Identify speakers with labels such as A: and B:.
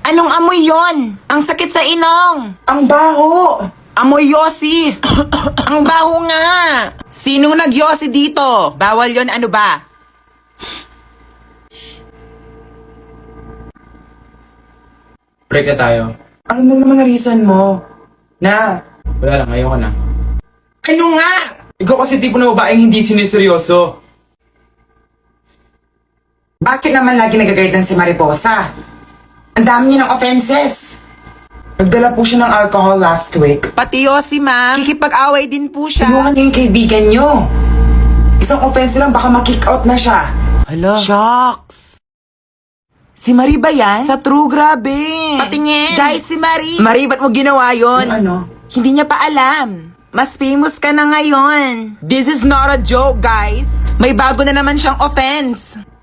A: Anong amoy yon? Ang sakit sa inong.
B: Ang baho!
A: Amoy yosi. Ang baho nga. Sinong nagyosi dito? Bawal yon, ano ba?
C: Break na tayo.
B: Ano na naman na reason mo? Na,
C: Wala lang, ayoko na.
B: ano nga?
C: Ikaw kasi tipo na babaeng hindi siniseryoso.
B: Bakit naman lagi nagagaydan si Mariposa? Ang dami niya ng offenses. Nagdala po siya ng alcohol last week.
A: Pati yosi, ma. Kikipag-away din po siya.
B: Tulungan niyo yung kaibigan niyo. Isang offense lang, baka ma-kick out na siya.
A: Hala. Shucks. Si Marie ba yan? Sa true, grabe. Patingin. Guys, si Marie. Marie, ba't mo ginawa yon?
B: Yung ano?
A: Hindi niya pa alam. Mas famous ka na ngayon. This is not a joke, guys. May bago na naman siyang offense.